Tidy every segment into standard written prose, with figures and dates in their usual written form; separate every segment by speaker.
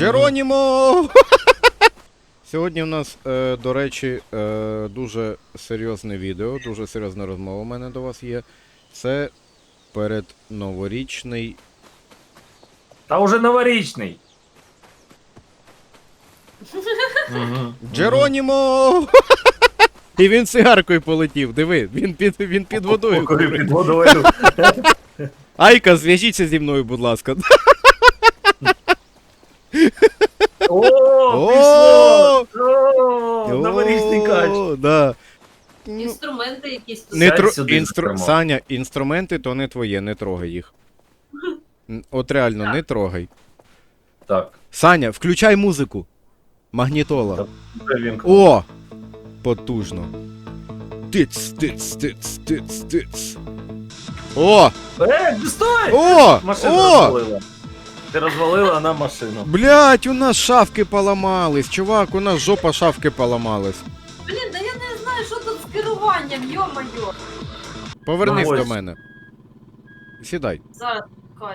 Speaker 1: Джеронімо! Сьогодні у нас, до речі, дуже серйозне відео, дуже серйозна розмова у мене до вас є. Це передноворічний...
Speaker 2: Та уже новорічний.
Speaker 1: Джеронімо! І він цигаркою полетів, диви, він під водою.
Speaker 2: Під водою.
Speaker 1: Айка, зв'яжіться зі мною, будь ласка.
Speaker 2: О, пішло! О, новорічний кач.
Speaker 1: Да.
Speaker 3: Інструменти якісь тут.
Speaker 1: Не
Speaker 2: сюди зокрема.
Speaker 1: Саня, інструменти то не твоє, не трогай їх. От реально, не трогай.
Speaker 2: Так.
Speaker 1: Саня, включай музику. Магнітола.
Speaker 2: Вже він.
Speaker 1: О! Потужно. Тиц, тиц, тиц, тиц, тиц. О!
Speaker 2: Стой!
Speaker 1: О!
Speaker 2: Машину
Speaker 1: О!
Speaker 2: розвалила. Ти розвалила на машину.
Speaker 1: Блять, у нас шафки поламались. Чувак, у нас жопа шафки поламалась.
Speaker 3: Блін, да я не знаю, що тут з керуванням, йо-моє.
Speaker 1: Повернись
Speaker 2: Ну,
Speaker 1: до
Speaker 2: ось.
Speaker 1: мене. Сідай.
Speaker 3: Зараз, кай.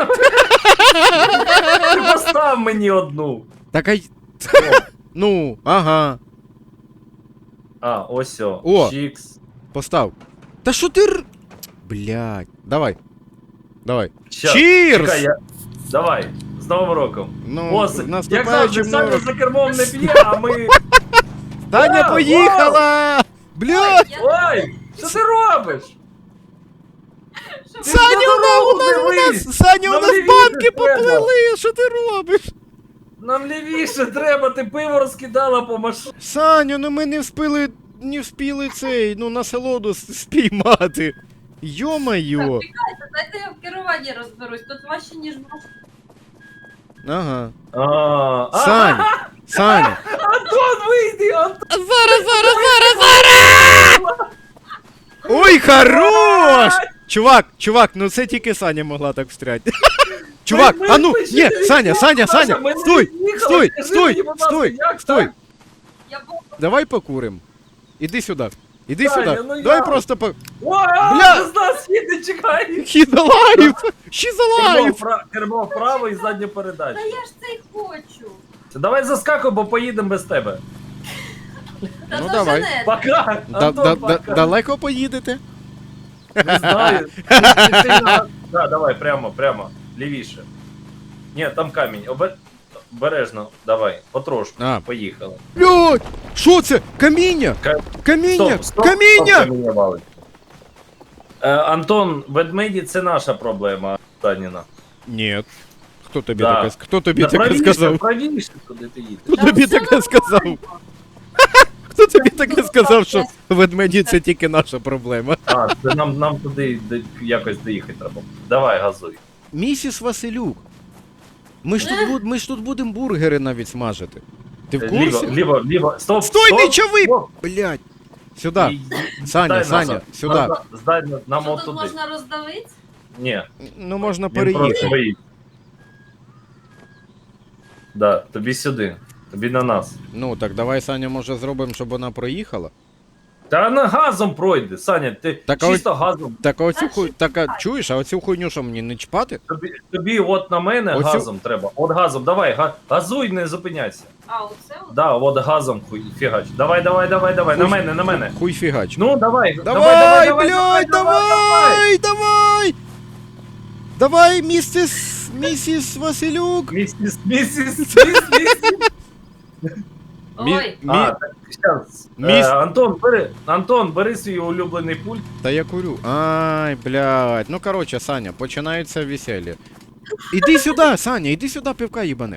Speaker 2: Ти постав мені одну.
Speaker 1: Так ай. Ну, ага.
Speaker 2: А, ось
Speaker 1: О.
Speaker 2: Чікс.
Speaker 1: Постав. Та що ти Блять. Давай. Давай.
Speaker 2: Щас,
Speaker 1: Чірс!
Speaker 2: чекай, Давай, з Новим роком.
Speaker 1: Ну,
Speaker 2: О, як завжди,
Speaker 1: наступаючим
Speaker 2: Саня
Speaker 1: новим.
Speaker 2: за кермом не п'є, а ми...
Speaker 1: Таня
Speaker 2: Вау,
Speaker 1: поїхала! Блять!
Speaker 2: Ой, що ти робиш? Ти
Speaker 1: Саня,
Speaker 2: на дорогу
Speaker 1: у
Speaker 2: дивись!
Speaker 1: нас, Саня, у
Speaker 2: Нам
Speaker 1: нас
Speaker 2: лівіше
Speaker 1: банки
Speaker 2: треба.
Speaker 1: поплили! Що ти робиш?
Speaker 2: Нам лівіше треба, ти пиво розкидала по машині.
Speaker 1: Саню, ну ми не вспіли цей, ну, насолоду спіймати. Йо-майо.
Speaker 3: Чекайте, дайте я в керуванні розберусь, тут важче, ніж можна.
Speaker 1: Ага.
Speaker 2: А,
Speaker 1: Саня, Саня.
Speaker 2: Антон, вийди, Антон!
Speaker 1: Зараз! Ой, хорош! Чувак, ну це тільки Саня могла так встряти. Чувак,
Speaker 2: Ми-
Speaker 1: а ну,
Speaker 2: ми ще
Speaker 1: ні,
Speaker 2: не
Speaker 1: Саня,
Speaker 2: Саша, ми не
Speaker 1: стой,
Speaker 2: їхали,
Speaker 1: стой,
Speaker 2: скажи
Speaker 1: стой,
Speaker 2: мені, будь ласка,
Speaker 1: стой,
Speaker 2: як
Speaker 1: стой.
Speaker 2: так?
Speaker 3: Я був
Speaker 1: Давай покурим. Іди сюди. Іди
Speaker 2: Саня,
Speaker 1: сюди.
Speaker 2: ну
Speaker 1: Давай
Speaker 2: як?
Speaker 1: просто
Speaker 2: О,
Speaker 1: Бля!
Speaker 2: з нас їде, чекай!
Speaker 1: He's alive! She's alive!
Speaker 2: Кермо вправо і задню передачу.
Speaker 3: Та я ж це й хочу.
Speaker 2: Давай заскакуй, бо поїдемо без тебе.
Speaker 3: Та
Speaker 1: Ну,
Speaker 3: то
Speaker 1: давай.
Speaker 3: вже не.
Speaker 2: Пока! Антон, пока!
Speaker 1: Далеко поїдете?
Speaker 2: Не знаю. Да, давай, прямо. Лівіше. Ні, там камінь. Обережно, давай, потрошку.
Speaker 1: А.
Speaker 2: Поїхали.
Speaker 1: Блядь! Що це? Каміння! Каміння! Каміння!
Speaker 2: каміння валить. Антон, ведмеді це наша проблема, Таніна.
Speaker 1: Ні. Хто тобі
Speaker 2: Да.
Speaker 1: таке, хто тобі
Speaker 2: Да,
Speaker 1: таке сказав?
Speaker 2: правіше, куди ти їдеш.
Speaker 1: Хто
Speaker 3: Та
Speaker 1: тобі
Speaker 3: все
Speaker 1: таке сказав?
Speaker 3: нормально.
Speaker 1: Хто тобі таке сказав, що ведмеді це тільки наша проблема?
Speaker 2: А, це нам туди якось доїхати треба. Давай, газуй.
Speaker 1: Місіс Василюк. Ми ж тут будемо бургери навіть смажити. Ти в
Speaker 2: Ліво,
Speaker 1: курсі?
Speaker 2: ліво. Стоп,
Speaker 1: Стой,
Speaker 2: стоп,
Speaker 1: не чави!
Speaker 2: стоп.
Speaker 1: Блядь. Сюди. Саня,
Speaker 2: Здай
Speaker 1: Саня,
Speaker 2: назад.
Speaker 1: сюди.
Speaker 2: Здай нам
Speaker 3: Що
Speaker 2: от
Speaker 3: тут
Speaker 2: туди.
Speaker 3: можна роздавити?
Speaker 2: Ні,
Speaker 1: Ну можна
Speaker 2: він просто
Speaker 1: переїхати.
Speaker 2: боїть. Да, тобі сюди. Тобі на нас.
Speaker 1: Ну так давай, Саня, може зробимо, щоб вона проїхала.
Speaker 2: Та вона газом пройде, Саня, ти
Speaker 1: Так, а
Speaker 2: чисто газом.
Speaker 1: Так а оцю
Speaker 3: Та
Speaker 1: хуй. Так, а
Speaker 3: чекай.
Speaker 1: чуєш, а оцю хуйню що мені не чпати?
Speaker 2: Тобі от на мене
Speaker 1: Оцю-
Speaker 2: газом треба. От газом, давай, газуй, не зупиняйся.
Speaker 3: А, оце от?
Speaker 2: Да, от газом хуй, фігач. Давай, на мене.
Speaker 1: Хуй фігач.
Speaker 2: Ну, давай,
Speaker 1: Давай, блядь, давай! Давай, місіс Василюк!
Speaker 2: Місіс.
Speaker 3: Ой,
Speaker 2: А, так, щас. Антон, бери свій улюблений пульт.
Speaker 1: Та я курю. Ай, блядь. Ну короче, Саня, починається весілля. Іди сюди, Саня, іди сюди, пивка їбанем.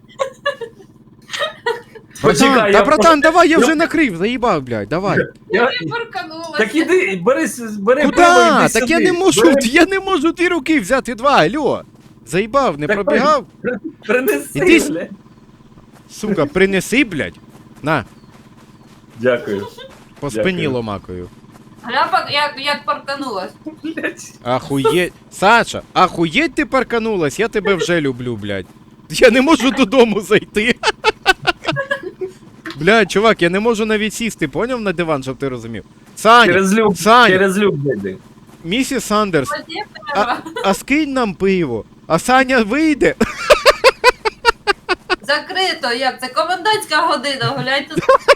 Speaker 2: Почекай,
Speaker 1: Братан,
Speaker 2: я
Speaker 1: братан, давай, я вже накрив, заїбав, блядь, давай.
Speaker 2: Я...
Speaker 3: приканулася.
Speaker 2: Так іди, бери пиво,
Speaker 1: Куда?
Speaker 2: іди
Speaker 1: Так
Speaker 2: сюди.
Speaker 1: я не можу,
Speaker 2: Бери,
Speaker 1: я не можу 2 руки взяти, 2, алло. Заїбав, не
Speaker 2: Так,
Speaker 1: пробігав?
Speaker 2: Принеси,
Speaker 1: Іди
Speaker 2: бля.
Speaker 1: Сука, принеси, блядь. На,
Speaker 2: Дякую.
Speaker 1: по спині
Speaker 2: Дякую.
Speaker 1: ломакою.
Speaker 3: Гляпа, як парканулась.
Speaker 2: Блять.
Speaker 1: Ахуєть. Саша, ахуєть ти парканулась, я тебе вже люблю, блядь. Я не можу додому зайти. Блядь, чувак, я не можу навіть сісти, поняв, на диван, щоб ти розумів. Саня, Саня,
Speaker 2: Через люк зайди.
Speaker 1: місіс Сандерс,
Speaker 3: Воді треба.
Speaker 1: а скинь нам пиво, а Саня вийде.
Speaker 3: Закрито, як це? Комендантська година, гуляйте.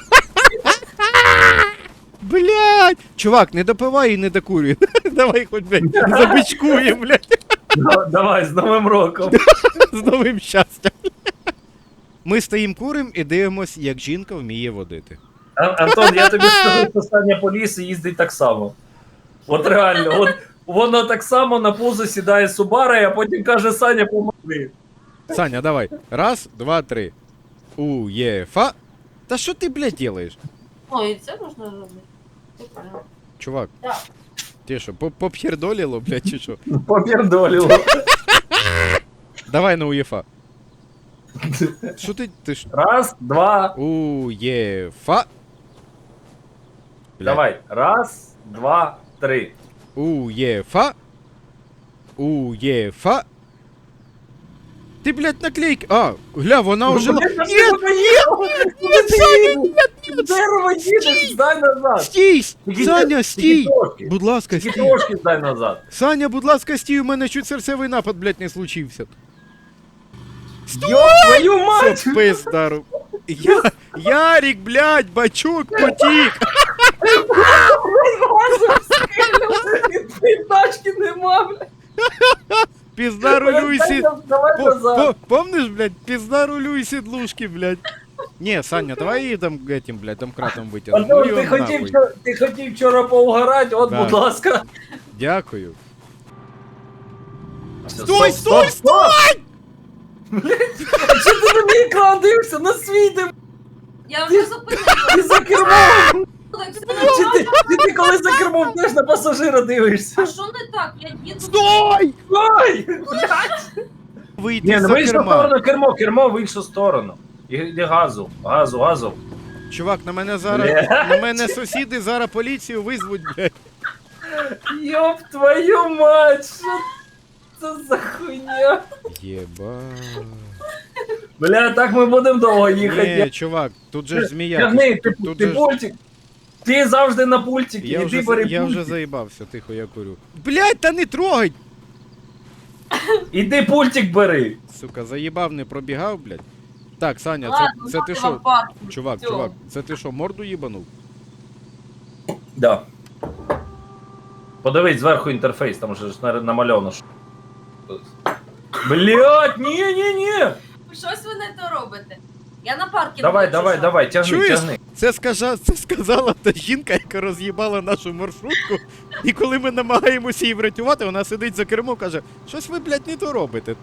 Speaker 1: Блядь! Чувак, не допивай і не докурюй. Давай хоч, блядь, забичкує, блядь,
Speaker 2: Давай, з Новим роком.
Speaker 1: з новим щастям. Ми стоїм курим і дивимось, як жінка вміє водити.
Speaker 2: Антон, я тобі скажу, що Саня по лісу їздить так само. От реально, от воно так само на пузо сідає Субара, а потім каже: Саня, помогли.
Speaker 1: Саня, давай. Раз, два, три. УЄФА. Та що ти, блядь, делаєш?
Speaker 3: Ой, це можна робити. Прикольно.
Speaker 1: Чувак,
Speaker 3: Так.
Speaker 1: ти що, поп'єрдоліло, блядь, чи що?
Speaker 2: Попірдоліло.
Speaker 1: Давай на УЄФА. Що ти ж?
Speaker 2: Раз, два.
Speaker 1: УЄФА. Блядь.
Speaker 2: Давай. Раз, два, три.
Speaker 1: УЄФА. УЄФА. Ти, блядь, наклейки. А, гля, вона ожила.
Speaker 2: Блін,
Speaker 1: Нет,
Speaker 2: Дерево їдеш, здай назад.
Speaker 1: стій!
Speaker 2: Тільки-
Speaker 1: Саня,
Speaker 2: тільки
Speaker 1: стій!
Speaker 2: трошки.
Speaker 1: Будь ласка,
Speaker 2: Тільки
Speaker 1: стій!
Speaker 2: трошки здай назад.
Speaker 1: Саня, будь ласка, стій, у мене чуть серцевий напад, блядь, не случився.
Speaker 2: Йоп, твою мать!
Speaker 1: Це пиздару. Ярик, блядь, бачок, потік.
Speaker 2: Тачки нема, блядь.
Speaker 1: Піздарулюй
Speaker 2: Давай назад.
Speaker 1: Помниш, блядь, піздарулюй сідлушки, блядь. Не, Саня, давай її там этим, блядь, домкратом витягнемо. Ну,
Speaker 2: Антон,
Speaker 1: його нахуй.
Speaker 2: ти хотів вчора поугарати, от,
Speaker 1: Да.
Speaker 2: будь ласка.
Speaker 1: Дякую.
Speaker 2: Стой,
Speaker 1: стой,
Speaker 2: стой! А чи ти на мій екран дивишся? На свій ти,
Speaker 3: Я вже зупинила.
Speaker 2: ти за кермом!
Speaker 3: Так,
Speaker 2: Чи ти коли за кермом теж на пасажира дивишся?
Speaker 3: А що не так? Я їду.
Speaker 1: Стой!
Speaker 2: Ой!
Speaker 1: Вийти
Speaker 2: Ні, ну
Speaker 1: за
Speaker 2: в іншу
Speaker 1: керма.
Speaker 2: сторону кермо в іншу сторону. І газу, газу.
Speaker 1: Чувак, на мене зараз,
Speaker 2: Бля.
Speaker 1: на мене сусіди зараз поліцію визвуть, блядь.
Speaker 2: Йоп твою мать, що це за хуйня?
Speaker 1: Єба.
Speaker 2: Бля, так ми будемо довго їхати.
Speaker 1: Ні, чувак, тут же ж змія.
Speaker 2: Тягни,
Speaker 1: Тут
Speaker 2: ти
Speaker 1: же ж-
Speaker 2: пультик. Ти завжди на пультик,
Speaker 1: Я
Speaker 2: іди бери
Speaker 1: я вже
Speaker 2: пультик.
Speaker 1: заїбався, тихо, я курю. Блядь, та не трогай!
Speaker 2: Іди пультик бери.
Speaker 1: Сука, заїбав, не пробігав, блядь. Так, Саня,
Speaker 3: Ладно,
Speaker 1: це ти
Speaker 3: ладно,
Speaker 1: що?
Speaker 3: парку.
Speaker 1: Чувак,
Speaker 3: Всьо.
Speaker 1: чувак, це ти що, морду їбанув?
Speaker 2: Да. Подивись зверху інтерфейс, там вже ж намальовано. що. Блять, ні.
Speaker 3: Щось ви не то робите. Я на паркінгу.
Speaker 2: Давай, тягни,
Speaker 1: Чуєш?
Speaker 2: тягни.
Speaker 1: Це сказала та жінка, яка роз'їбала нашу маршрутку. І коли ми намагаємося її врятувати, вона сидить за кермо, каже, щось ви, блядь, не то робите.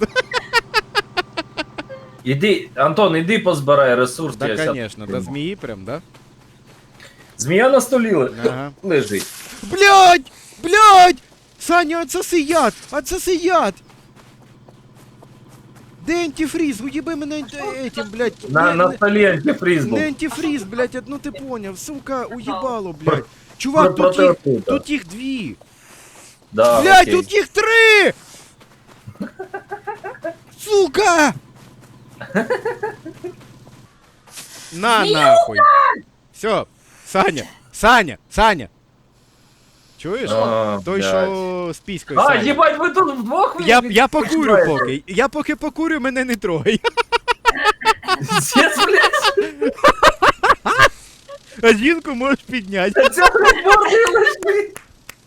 Speaker 2: Іди, Антон, іди позбирай ресурс. я
Speaker 1: Так,
Speaker 2: щас
Speaker 1: звісно, до
Speaker 2: прийму.
Speaker 1: змії прям, да?
Speaker 2: Змія на столі
Speaker 1: Ага.
Speaker 2: лежить.
Speaker 1: Блядь! Саня, отсоси яд! Отсоси яд! Де антифріз? Уїби мене этим, блядь.
Speaker 2: На столі антифриз був.
Speaker 1: Не антифріз, блядь, ну ти поняв, сука, уїбало, блядь. Чувак, тут їх дві.
Speaker 2: Да,
Speaker 1: Блядь,
Speaker 2: окей.
Speaker 1: тут їх три! Сука! На нахуй! Все, Саня! Чуєш?
Speaker 2: А,
Speaker 1: Той,
Speaker 2: блядь.
Speaker 1: що з піською.
Speaker 2: А,
Speaker 1: Саня.
Speaker 2: їбать, ви тут вдвох
Speaker 1: Я покурю поки. Я поки покурю, мене не трогай.
Speaker 2: Зєць, блядь,
Speaker 1: А жінку можеш підняти.
Speaker 2: це борги лежить.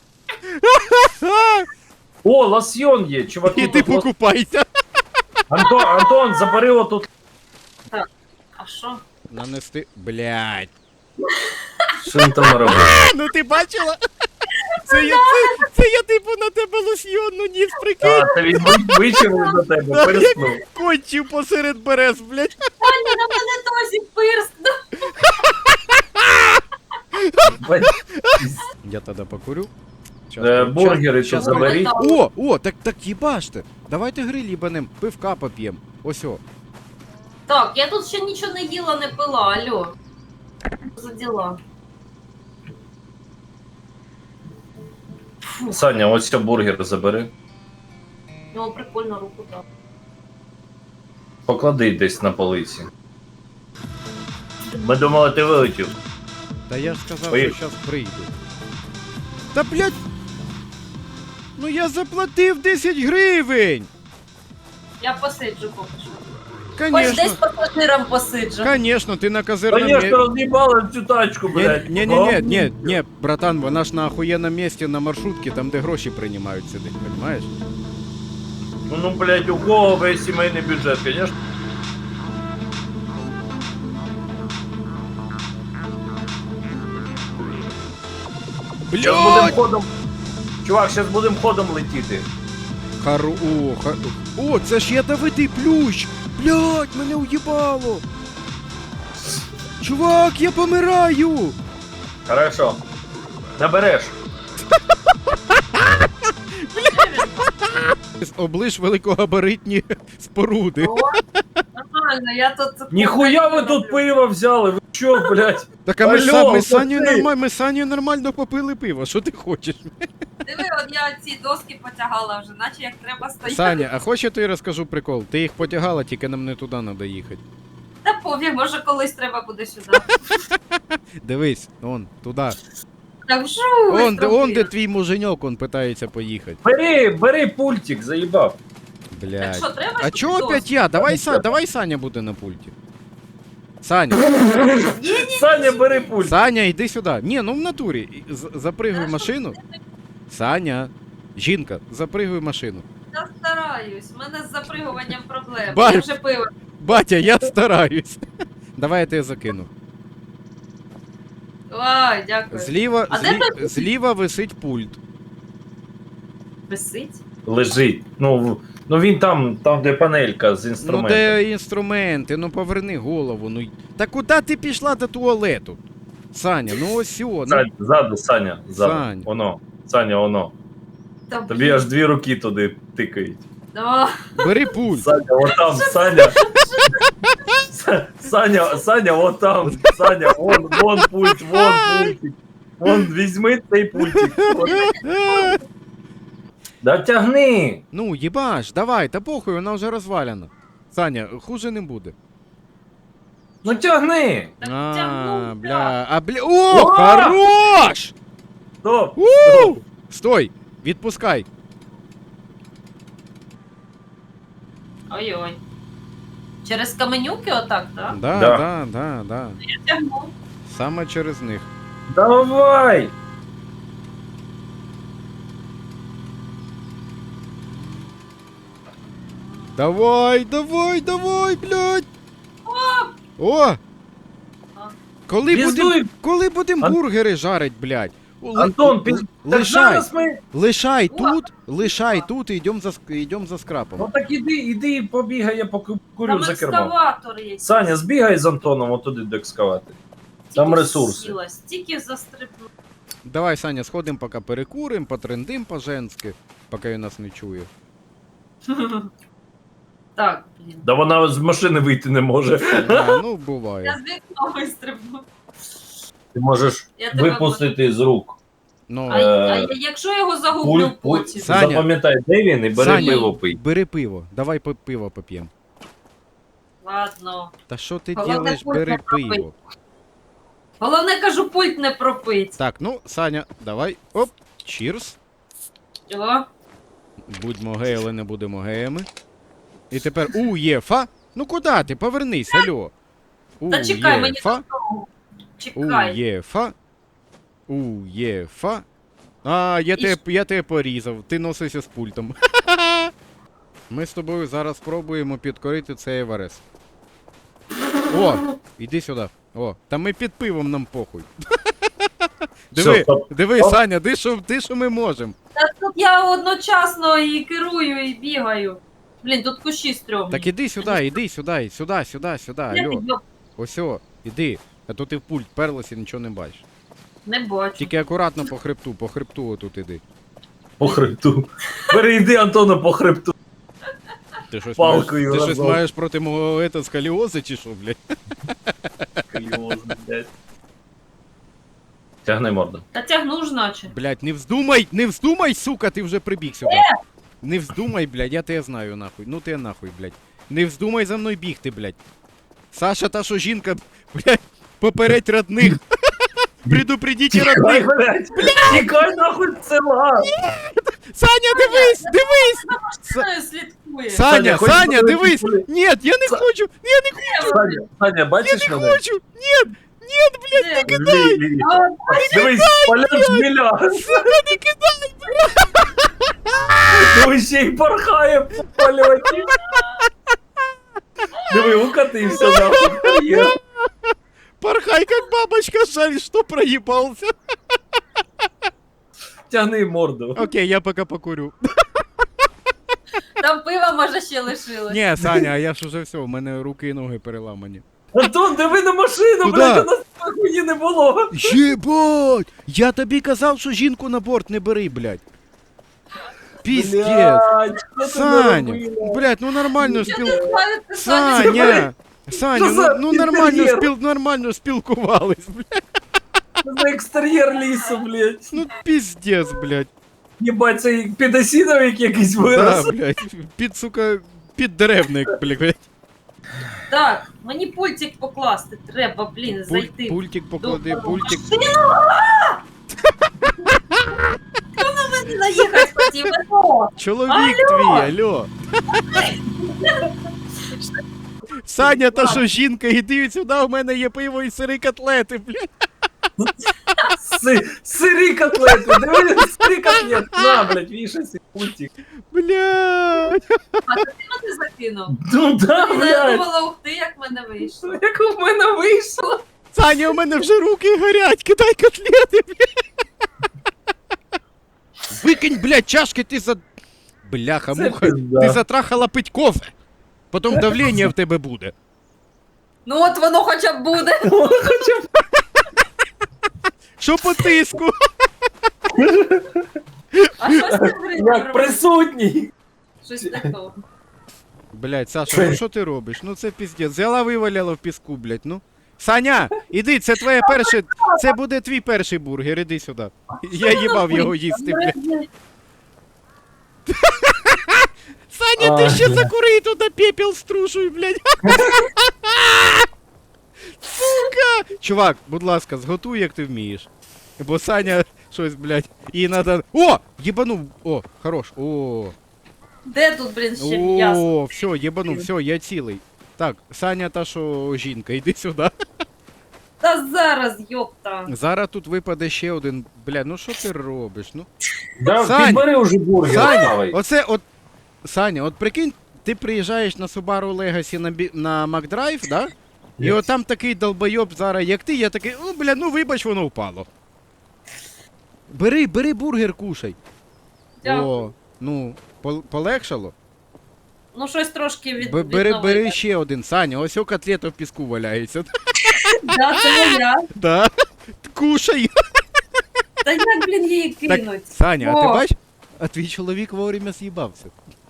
Speaker 2: О, лосьйон є, чуваки.
Speaker 1: І ти
Speaker 2: тут лос-
Speaker 1: покупайся.
Speaker 2: Антон, забери отут.
Speaker 3: А що?
Speaker 1: Нанести. Блядь.
Speaker 2: Що він там робить?
Speaker 1: Ну ти бачила? Це я типу на тебе лосьйонну ніс, прикинь.
Speaker 2: А, та він вичавив до тебе, переснув.
Speaker 1: Кончив посеред берез, блядь.
Speaker 3: Пані, на мене Тосік пирснув.
Speaker 1: Я тоді покурю.
Speaker 2: Бургери що
Speaker 1: щас-
Speaker 2: заберіть.
Speaker 1: О, так їбаште. Давайте гриль їбанем, пивка поп'єм. Ось о.
Speaker 3: Так, я тут ще нічого не їла, не пила, алло. Що за діла? Фу,
Speaker 2: Саня, ось цей бургер забери.
Speaker 3: ну прикольно руку так.
Speaker 2: Поклади десь на полиці. Ми думали, ти вилетів.
Speaker 1: Та я ж сказав,
Speaker 2: Ой.
Speaker 1: що зараз прийду. Та блядь! Ну я заплатив 10 гривень!
Speaker 3: Я посиджу поки що. Хоч десь
Speaker 1: конечно.
Speaker 3: пасажирам посиджу.
Speaker 1: Конечно, ти на козирному
Speaker 2: Конечно, роз'їбали цю тачку, блядь.
Speaker 1: Не, братан, вона ж на охуєнном місці на маршрутці, там де гроші приймають сидить, понимаєш?
Speaker 2: Ну, блядь, у кого весь сімейний бюджет, конечно. Сейчас будем
Speaker 1: Блядь!
Speaker 2: ходом. Чувак, сейчас будем ходом летіти.
Speaker 1: О, це ж ядовитий плющ! Блядь, мене уїбало! Чувак, я помираю!
Speaker 2: Хорошо. Набереш.
Speaker 1: Оближ великогабаритні споруди.
Speaker 3: О, нормально, я тут...
Speaker 2: Ніхуя ви тут пиво взяли, ви чо, блядь?
Speaker 1: Так а ми,
Speaker 2: Алло,
Speaker 1: ми з Санєю
Speaker 2: пацани!
Speaker 1: нормально, ми з Санєю нормально попили пиво, що ти хочеш?
Speaker 3: Диви, от я ці доски потягала вже, наче як треба стояти.
Speaker 1: Саня, а хочеш я тобі розкажу прикол? Ти їх потягала, тільки нам не туди треба їхати.
Speaker 3: Та пофіг, може колись треба буде сюди.
Speaker 1: Дивись, он, туди.
Speaker 3: Так жу,
Speaker 1: Он де твій муженьок, он питається поїхати.
Speaker 2: Бери пультик, заїбав.
Speaker 3: Так
Speaker 1: Блядь.
Speaker 3: що, треба,
Speaker 1: А
Speaker 3: щоб
Speaker 1: чого
Speaker 3: доски?
Speaker 1: опять я? Давай Саня буде на пульті. Саня,
Speaker 2: Саня, бери пульт.
Speaker 1: Саня, йди сюди. Ні, ну в натурі. Запригуй в машину. Саня, жінка, запригуй в машину.
Speaker 3: Я стараюсь, у мене з запригуванням проблем.
Speaker 1: Бать.
Speaker 3: Я вже пиво.
Speaker 1: Батя, я стараюсь. Давай я тебе закину.
Speaker 3: Ой, дякую.
Speaker 1: Зліва,
Speaker 3: А де той-
Speaker 1: зліва висить пульт.
Speaker 3: Висить?
Speaker 2: Лежить. Ну він там, де панелька з
Speaker 1: Ну
Speaker 2: інструментом.
Speaker 1: де інструменти, ну поверни голову. Ну та куди ти пішла до туалету? Саня, ну ось сьо. Ну,
Speaker 2: Ззаду, Саня, ззаду.
Speaker 1: Сань.
Speaker 2: Воно. Саня, воно.
Speaker 3: Та,
Speaker 2: Тобі аж 2 руки туди тикають.
Speaker 3: О,
Speaker 1: бери пульт.
Speaker 2: Саня, отам, Саня. Саня, отам. Саня, вон пульт, вон пультик. Вон, візьми цей пультик. Да тягни.
Speaker 1: Ну, їбаш, давай, та похуй, вона вже розвалена. Саня, хуже не буде.
Speaker 2: Ну тягни.
Speaker 3: так
Speaker 1: А,
Speaker 3: тягнув,
Speaker 1: бля. О,
Speaker 2: О!
Speaker 1: хорош!
Speaker 2: Стоп.
Speaker 1: У!
Speaker 2: Стоп.
Speaker 1: Стой, відпускай.
Speaker 3: Ой-ой. Через каменюки отак, так?
Speaker 1: Да.
Speaker 3: Я тягну.
Speaker 1: Саме через них.
Speaker 2: Давай.
Speaker 1: Давай, блядь. О! Коли
Speaker 2: Піздуй.
Speaker 1: будем бургери жарить, блядь?
Speaker 2: Антон, так
Speaker 1: лишай,
Speaker 2: зараз ми...
Speaker 1: лишай тут і йдем за скрапом.
Speaker 2: Ну так іди побігай, я покурю
Speaker 3: Там
Speaker 2: за кермом.
Speaker 3: екскаватор є.
Speaker 2: Саня, збігай з Антоном отуди до екскаватора. Там
Speaker 3: Тільки
Speaker 2: ресурси.
Speaker 3: сіла, стільки застрибну.
Speaker 1: Давай, Саня, сходим, поки перекурим, потрендим по-женськи, поки він нас не чує.
Speaker 3: Так, блін.
Speaker 2: Да вона з машини вийти не може.
Speaker 1: А, ну,
Speaker 3: Я
Speaker 1: буває.
Speaker 3: з вікна вистрибну.
Speaker 2: Ти можеш
Speaker 3: Я тебе
Speaker 2: випустити з рук.
Speaker 1: Ну,
Speaker 3: А якщо я його загублю потім?
Speaker 1: Саня.
Speaker 2: Запам'ятай, де він і бери
Speaker 1: Саня.
Speaker 2: пиво пий.
Speaker 1: бери пиво, давай пиво поп'ємо.
Speaker 3: Ладно.
Speaker 1: Та що ти
Speaker 3: Головне,
Speaker 1: робиш,
Speaker 3: пульт
Speaker 1: бери
Speaker 3: не пробий.
Speaker 1: пиво.
Speaker 3: Головне, кажу, пульт не пропить.
Speaker 1: Так, ну, Саня, давай, оп, чірс.
Speaker 3: О,
Speaker 1: Будьмо геї, але не будемо геями. І тепер УЄФА. Ну куди ти? Повернись, алло.
Speaker 3: Та чекай, мені
Speaker 1: УЄФА.
Speaker 3: чекай.
Speaker 1: УЄФА. УЄФА. А, я тебе порізав. Ти носишся з пультом. Ми з тобою зараз спробуємо підкорити цей Еверест. О, іди сюди. О, та ми під пивом, нам похуй.
Speaker 2: Все, стоп.
Speaker 1: Диви,
Speaker 2: Стоп.
Speaker 1: Саня, ти що ми можемо.
Speaker 3: Та тут я одночасно і керую, і бігаю. Блін, тут кущі стрьомні.
Speaker 1: Так іди сюди, сюди,
Speaker 3: Я
Speaker 1: алло.
Speaker 3: піду.
Speaker 1: Ось, іди. А то ти в пульт перлась і нічого не бачиш.
Speaker 3: Не бачу.
Speaker 1: Тільки акуратно по хребту отут іди.
Speaker 2: По хребту. Перейди Антона по хребту.
Speaker 1: Ти щось
Speaker 2: Палкою
Speaker 1: маєш, ти щось
Speaker 2: разом.
Speaker 1: маєш проти мого сколіози чи що, блядь?
Speaker 2: Тягни морду.
Speaker 3: Та тягну ж наче.
Speaker 1: Блядь, не вздумай, сука, ти вже прибіг сюди. Не вздумай, блядь, я тебе знаю, нахуй. Ну ти нахуй, блядь. Не вздумай за мною бігти, блядь. Саша, та що жінка, блядь, попередь родних. Предупредіть
Speaker 2: Тікай,
Speaker 1: родних.
Speaker 2: блядь! Тікай нахуй з села!
Speaker 1: Саня, дивись!
Speaker 3: Мною слідкує. рахує.
Speaker 2: Саня,
Speaker 1: Саня,
Speaker 2: хочеш
Speaker 1: Саня,
Speaker 2: подивитись
Speaker 1: дивись!
Speaker 2: полі-
Speaker 1: Ні, я не хочу! Я не
Speaker 2: Саня, бачиш мене?
Speaker 1: хочу! Ні!
Speaker 3: Де?
Speaker 2: Лі.
Speaker 3: А,
Speaker 2: Дивись, полет жміля.
Speaker 1: Не кидай!
Speaker 2: Ну ще й порхає по польоті. Диви, укатився нахуй. Є.
Speaker 1: Порхай, как бабочка, жаль, что проебался.
Speaker 2: Тягни морду.
Speaker 1: Окей, я пока покурю.
Speaker 3: Там пива, може, ще лишилось.
Speaker 1: Ні, Саня, а я ж уже все, у мене руки і ноги переламані.
Speaker 2: Антон, диви на машину,
Speaker 1: Куда?
Speaker 2: блядь, у нас хуї не було.
Speaker 1: Єбать! Я тобі казав, що жінку на борт не бери, блядь. Піздець.
Speaker 2: Блядь, що ти
Speaker 1: Саня,
Speaker 2: наробила?
Speaker 1: блядь, ну нормально
Speaker 3: Що
Speaker 1: спіл...
Speaker 3: ти скажете, Саня?
Speaker 1: Саня! Саня,
Speaker 2: Що за
Speaker 1: ну нормально
Speaker 2: інтер'єр?
Speaker 1: нормально спілкувались, блядь.
Speaker 2: Що за екстер'єр лісу, блядь.
Speaker 1: Ну піздець, блядь.
Speaker 2: Єбать, це підосіновик якийсь
Speaker 1: Да,
Speaker 2: вирос.
Speaker 1: блядь. Під, сука, піддеревник, блядь.
Speaker 3: Так, мені пультик покласти треба, блін, зайти.
Speaker 1: Пультик поклади,
Speaker 3: Добре.
Speaker 1: пультик.
Speaker 3: Хто на мене наїхати хотів? Алло!
Speaker 1: Чоловік твій, алло. Саня, та що жінка, іди сюди, у мене є пиво і сири котлети, блядь.
Speaker 2: Сирі котлети, дивись, сирі котлети. На, блядь, вішайся, пультик.
Speaker 1: Блядь.
Speaker 3: А ти мене закинув?
Speaker 2: Ну да,
Speaker 3: Я
Speaker 2: блядь.
Speaker 3: думала, ух ти, як в мене вийшло.
Speaker 2: Як у мене вийшло.
Speaker 1: Саня, у мене вже руки горять, кидай котлети, блядь. Викинь, блядь, чашки, ти за... Бляха,
Speaker 2: Це
Speaker 1: муха,
Speaker 2: пизда.
Speaker 1: ти затрахала пить кофе. Потім давлення в тебе буде.
Speaker 3: Ну от воно хоча б буде.
Speaker 2: Хоча б
Speaker 1: Що по тиску?
Speaker 3: А щось не
Speaker 2: як присутній.
Speaker 3: Щось не то.
Speaker 1: Блядь, Саша, ну що ти робиш? Ну це піздець. Взяла виваляла в піску, блядь, ну. Саня, іди, це твоє перше, це буде твій перший бургер, іди сюди. Я їбав його їсти, блядь. Саня, ти ще закури туди пепел струшуй, блядь. Сука! Чувак, будь ласка, зготуй, як ти вмієш. Бо Саня щось, блядь, їй надо... О! Єбанув! О, хорош, о.
Speaker 3: Де тут, блін, ще м'ясо?
Speaker 1: О, все, єбанув, все, я цілий. Так, Саня та що жінка, іди сюди.
Speaker 3: Та зараз, йопта.
Speaker 1: Зараз тут випаде ще один. Бля, ну що ти робиш? Ну.
Speaker 2: Да,
Speaker 1: Сань,
Speaker 2: підбери уже бургер,
Speaker 1: Саня,
Speaker 2: ставай.
Speaker 1: оце от. Саня, от прикинь, ти приїжджаєш на Subaru Legacy на McDrive, да? І
Speaker 2: Yes.
Speaker 1: от там такий долбойоб зараз, як ти, я такий, ну бля, ну вибач, воно впало. Бери бургер, кушай.
Speaker 3: Дякую.
Speaker 1: О, ну, полегшало?
Speaker 3: Ну щось трошки
Speaker 1: Бери ще один, Саня, ось о котлета в піску валяється.
Speaker 3: Да, це моя.
Speaker 1: Да? Кушай.
Speaker 3: Та як, блін, її кинуть?
Speaker 1: Так, Саня, а ти
Speaker 3: О.
Speaker 1: бач? А твій чоловік вовремя з'їбався.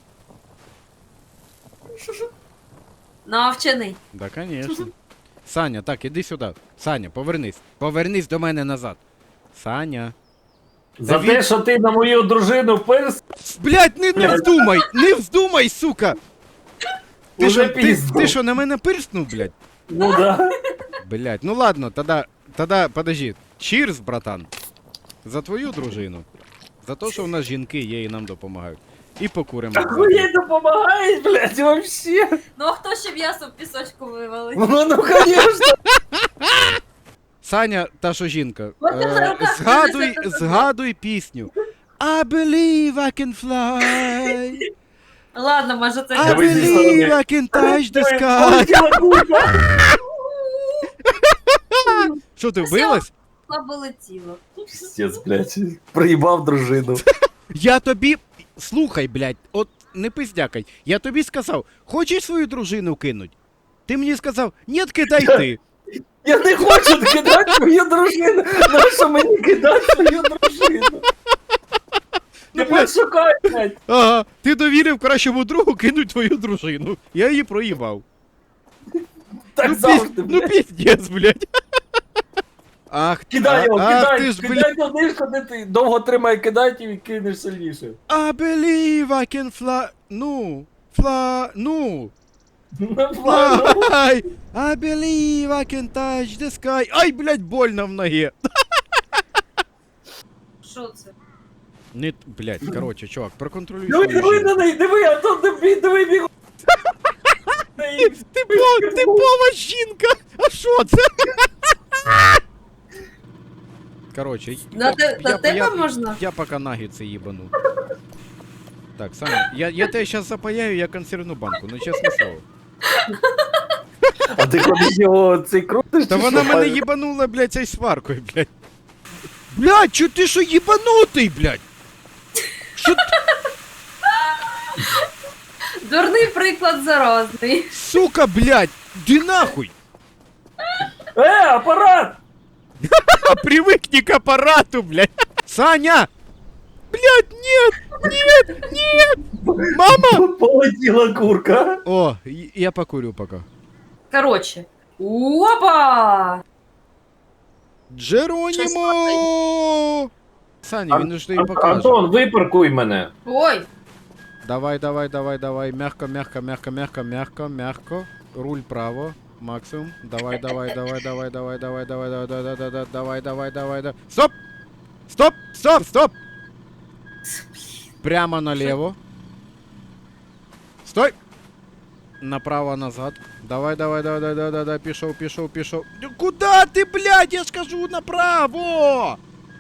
Speaker 3: Навчений.
Speaker 1: Да, конечно. Саня, так, іди сюди. Саня, повернись. Повернись до мене назад. Саня.
Speaker 2: За
Speaker 1: Та
Speaker 2: те,
Speaker 1: він-
Speaker 2: що ти на мою дружину перс,
Speaker 1: Блять, не вздумай! Не вздумай, сука! Ти
Speaker 2: Уже
Speaker 1: що,
Speaker 2: пізно.
Speaker 1: ти що, на мене пирснув, блядь?
Speaker 2: ну да.
Speaker 1: Блять, ну ладно, тогда, подожди. Чірс, братан. За твою дружину. За те, що в нас жінки є і нам допомагають. І покуримо.
Speaker 2: Так ви їй допомагаєш, блядь, вообще.
Speaker 3: Ну а хто ще м'ясо в пісочку вивалить?
Speaker 2: Ну, конечно.
Speaker 1: Саня, та що жінка,
Speaker 3: От ти на руках
Speaker 1: згадуй пісню. I believe I can fly.
Speaker 3: Ладно, може це
Speaker 1: I
Speaker 2: Давай зі
Speaker 1: believe
Speaker 2: сторони.
Speaker 1: I can touch the sky.
Speaker 2: Полетіла кулька.
Speaker 1: Що ти вбилась?
Speaker 3: слабо летіло.
Speaker 2: Пиздец, блядь. Проїбав дружину.
Speaker 1: Я тобі. Слухай, блядь, от не пиздякай. Я тобі сказав, хочеш свою дружину кинуть? Ти мені сказав, ні, кидай ти.
Speaker 2: Я не хочу кидати свою дружину. Нащо мені кидати свою дружину?
Speaker 1: Ну,
Speaker 2: Тепер шукай, блядь.
Speaker 1: Ага, ти довірив кращому другу кинуть твою дружину. Я її проїбав.
Speaker 2: Так завжди,
Speaker 1: Ну
Speaker 2: блядь.
Speaker 1: піздець, блядь. Ах,
Speaker 2: Кидай його,
Speaker 1: ах, ти
Speaker 2: кидай,
Speaker 1: ж, блядь.
Speaker 2: кидай туди, куди ти довго тримай, кидай і кинеш сильніше.
Speaker 1: I believe I can fly. Ну, ну.
Speaker 2: Ну, ладно.
Speaker 1: Fly. I believe I can touch the sky. Ай, блядь, больно в ногі.
Speaker 3: Що це?
Speaker 1: Не, блядь, короче, чувак, проконтролюй
Speaker 2: Диви,
Speaker 1: свою
Speaker 2: диви
Speaker 1: жінку.
Speaker 2: на неї, диви, а то диви бігу.
Speaker 1: Типова жінка! А що це? Короче,
Speaker 3: На тебе можна?
Speaker 1: я пока наггетси їбану. Так, Саня, я тебе сейчас запаяю, я консервну банку, ну чесне слово.
Speaker 2: А ти ходиш його цей крутиш?
Speaker 1: Та
Speaker 2: чи
Speaker 1: вона
Speaker 2: що?
Speaker 1: мене їбанула, блядь, цей сваркою, блядь. Блядь, чо ти що їбанутий, блядь? Що ти,
Speaker 3: Дурний приклад заразний.
Speaker 1: сука, блядь, ди нахуй?
Speaker 2: Апарат!
Speaker 1: А привыкни к аппарату, блядь. Саня! Блядь, нет! Мама!
Speaker 2: Полетіла курка.
Speaker 1: О, я покурю пока.
Speaker 3: Короче. Опа!
Speaker 1: Джеронімо! Саня, він ж тобі покаже.
Speaker 2: Антон, випаркуй мене.
Speaker 3: Ой,
Speaker 1: Давай. Мягко. Руль право. Максимум. Давай. Стоп! Прямо налево. Стой! Направо, назад. Давай. Пішов. Куда ты, блядь? Я ж кажу, направо!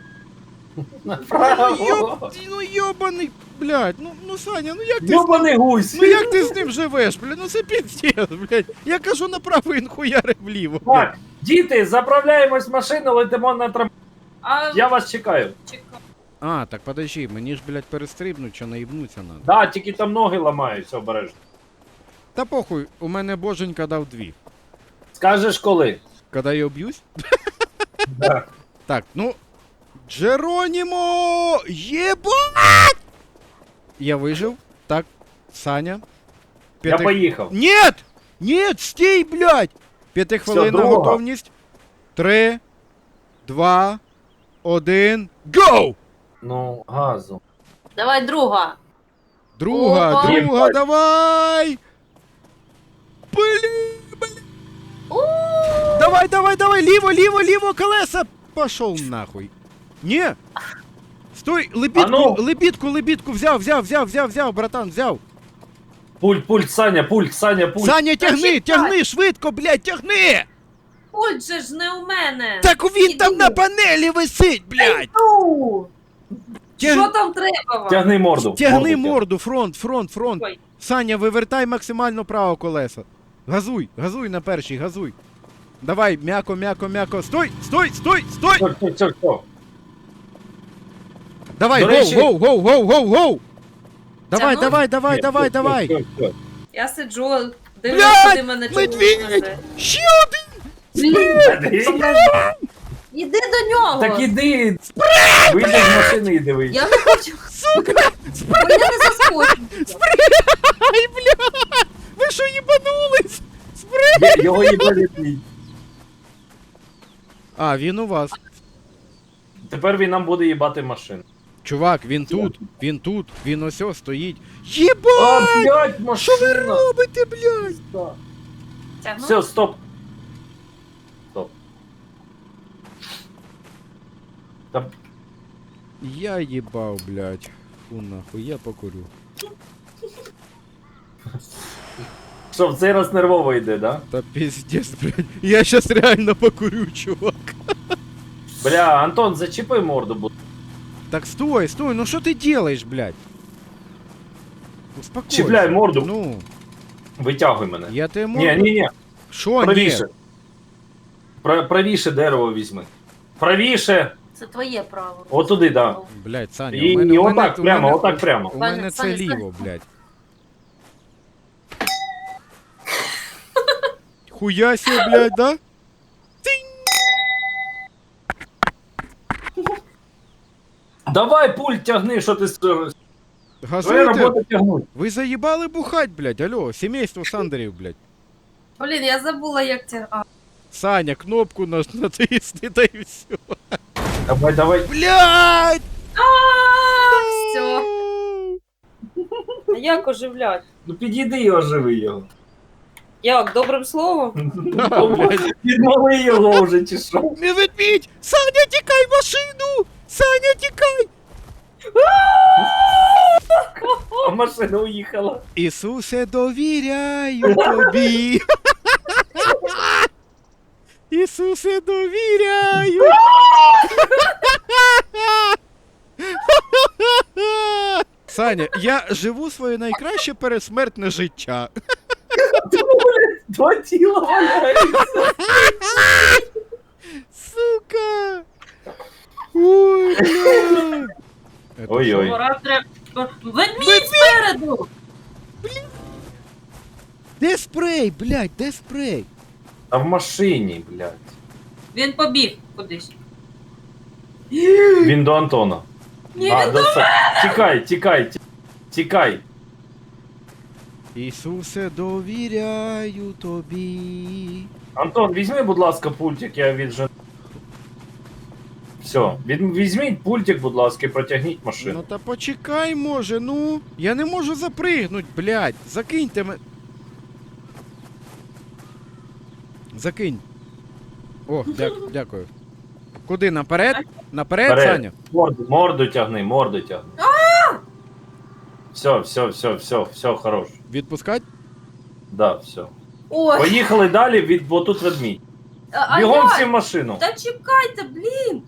Speaker 2: Направо.
Speaker 1: Ну ёбаний, блядь, ну Саня, ну як ти
Speaker 2: Йобаний гусь.
Speaker 1: Ну як ти з ним живеш, блядь, ну це піздець, блядь. Я кажу направо, він хуяри вліво.
Speaker 2: Так, діти, заправляємось в машину, летимо на трамп.
Speaker 3: а
Speaker 2: Я вас чекаю.
Speaker 3: чекай.
Speaker 1: А, так подожди, мені ж, блядь, перестрибнуть, що наїбнуться надо.
Speaker 2: Да, тільки там ноги ламаються обережно.
Speaker 1: Та похуй, у мене боженька дав 2.
Speaker 2: Скажеш коли?
Speaker 1: Когда я б'юсь?
Speaker 2: Да.
Speaker 1: Так, ну. Джеронімо! Єбать! Я вижив. Так, Саня.
Speaker 2: Я поїхав.
Speaker 1: Нет! Нет, стій, блядь! 5-хвилинна
Speaker 2: друга.
Speaker 1: готовність. 3, 2, 1, GO!
Speaker 2: Ну, газу.
Speaker 3: Давай друга.
Speaker 1: Друга,
Speaker 3: Опа.
Speaker 2: Єбать.
Speaker 1: давай! Блін!
Speaker 3: У!
Speaker 1: Давай, ліво, колеса! Пошел нахуй. Не! Стой,
Speaker 2: А ну.
Speaker 1: лебідку, взяв, братан, взяв.
Speaker 2: Пульт, Саня, пульт.
Speaker 1: Саня,
Speaker 3: чекай.
Speaker 1: тягни, швидко, блядь, тягни!
Speaker 3: Пульт же ж не у мене.
Speaker 1: Так він там
Speaker 3: Іду.
Speaker 1: на панелі висить, блядь!
Speaker 3: Іду.
Speaker 1: Тяг-
Speaker 3: Що там треба вам?
Speaker 2: Тягни морду.
Speaker 1: Тягни
Speaker 2: Морду
Speaker 1: морду, фронт.
Speaker 3: Ой.
Speaker 1: Саня, вивертай максимально право колеса. Газуй на першій, газуй. Давай, м'яко. Стой!
Speaker 2: Все.
Speaker 1: Давай,
Speaker 2: До речі-
Speaker 1: гоу! Давай,
Speaker 3: Тягнув?
Speaker 1: давай.
Speaker 3: Я сиджу, дивлюсь,
Speaker 1: Блядь,
Speaker 3: куди мене
Speaker 1: медведь!
Speaker 3: чоловік.
Speaker 1: Ще один!
Speaker 3: Іди до нього.
Speaker 2: Так іди. Вийди з машини і дивись.
Speaker 3: Я не хочу.
Speaker 1: Сука!
Speaker 3: Бо я не заскочу.
Speaker 1: Ай, бля! Ви що їбанулись? Спри!
Speaker 2: Його їбали твій.
Speaker 1: А, він у вас.
Speaker 2: Тепер він нам буде їбати машину.
Speaker 1: Чувак, він тут, він ось стоїть.
Speaker 2: А,
Speaker 1: Єбать!
Speaker 2: блядь,
Speaker 1: Що ви
Speaker 2: машина.
Speaker 1: робите, блядь?
Speaker 3: Тягну?
Speaker 2: Все, стоп. Та
Speaker 1: Я їбав, блядь. Фу нахуй, я покурю.
Speaker 2: що, в цей раз нервово йде, да?
Speaker 1: Та пиздец, блядь. Я щас реально покурю, чувак.
Speaker 2: Бля, Антон, зачіпи морду, будь.
Speaker 1: Так стой, ну що ти делаєш, блядь? Успокойся.
Speaker 2: Чіпляй морду.
Speaker 1: Ну,
Speaker 2: Витягуй мене.
Speaker 1: я тебе можу...
Speaker 2: Ні.
Speaker 1: Що, ні?
Speaker 2: Правіше. Правіше дерево візьми. Правіше.
Speaker 3: Це твоє право.
Speaker 2: Отуди, да.
Speaker 1: Блядь, Саня,
Speaker 2: І отак прямо, отак прямо.
Speaker 1: У мене
Speaker 3: Саня,
Speaker 1: це
Speaker 3: Саня,
Speaker 1: ліво, блядь. Хуя себе, блядь, да?
Speaker 2: Давай пульт тягни, що ти твоя
Speaker 1: Газуйте.
Speaker 2: робота тягнуть.
Speaker 1: Ви заїбали бухать, блядь, алло, сімейство Сандерів, блядь.
Speaker 3: Блін, я забула, як це. А,
Speaker 1: Саня, кнопку натисни, та і все.
Speaker 2: Давай.
Speaker 1: Блядь!
Speaker 3: все. А як оживлять?
Speaker 2: Ну підійди і оживи його.
Speaker 3: Як, добрим словом?
Speaker 1: А, блядь.
Speaker 2: Відмови його вже чи що?
Speaker 1: Не ведмідь! Саня, тікай в машину! Саня, тікай!
Speaker 2: А машина уїхала.
Speaker 1: Ісусе, довіряю тобі. Ісусе, довіряю. Саня, я живу своє найкраще пересмертне життя.
Speaker 2: Два тіла валяються.
Speaker 1: Сука! Ой, бля!
Speaker 2: Ой-ой.
Speaker 3: Пора треба. Ведмідь спереду!
Speaker 1: Де спрей, блядь, де спрей?
Speaker 2: А в машині, блядь.
Speaker 3: Він побіг кудись.
Speaker 2: Він до Антона.
Speaker 3: Ні,
Speaker 2: А,
Speaker 3: він
Speaker 2: до Тікай, тікай, тікай.
Speaker 1: Ісусе, довіряю тобі.
Speaker 2: Антон, візьми, будь ласка, пультик, я віджену. Все, візьміть пультик, будь ласка, і протягніть
Speaker 1: Ну
Speaker 2: машину.
Speaker 1: та почекай, може, ну. Я не можу запригнуть, блядь. Закиньте мене. Закинь. О, дякую. Куди, наперед? Наперед,
Speaker 2: Вперед.
Speaker 1: Саня?
Speaker 2: Морду тягни, морду тягни. Все, хорош.
Speaker 1: Відпускать?
Speaker 2: Да, все.
Speaker 3: Ой,
Speaker 2: Поїхали далі, бо тут ведмідь.
Speaker 3: а
Speaker 2: Бігом
Speaker 3: я?
Speaker 2: всі в машину.
Speaker 3: Та чекайте, блін!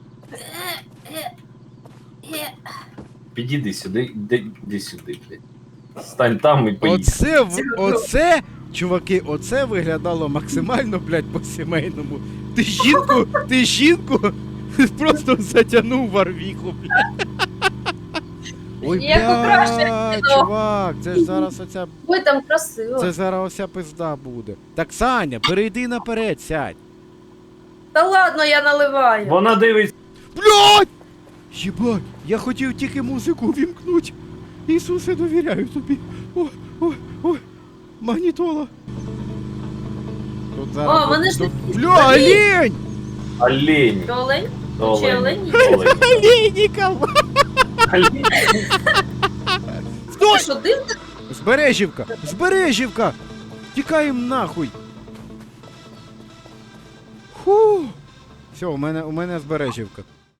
Speaker 2: Підійди сюди, іди сюди, блядь. Стань там і поїдь.
Speaker 1: Оце, чуваки, оце виглядало максимально, блядь, по-сімейному. Ти жінку просто затягнув в арвіху, блядь. Ой,
Speaker 3: Як краще
Speaker 1: блядь,
Speaker 3: кіно.
Speaker 1: чувак, це ж зараз оця,
Speaker 3: Ой, там красиво.
Speaker 1: це зараз оця пизда буде. Так, Саня, перейди наперед, сядь.
Speaker 3: Та ладно, я наливаю.
Speaker 2: Вона дивиться.
Speaker 1: Блядь! Єбать, я хотів тільки музику вімкнуть. Ісусе, довіряю тобі. Ой, магнітола. Тут зараз...
Speaker 3: О, вони ж
Speaker 1: тут...
Speaker 3: такі
Speaker 1: Бля, олень!
Speaker 2: Олень.
Speaker 3: Ти олень?
Speaker 2: Олень.
Speaker 3: Чи олень?
Speaker 2: Олень.
Speaker 1: Олейников!
Speaker 2: Олень.
Speaker 3: Ти
Speaker 1: Стой!
Speaker 3: що, дим?
Speaker 1: Збережівка! Збережівка! Тікаємо нахуй! Фу! Все, у мене збережівка.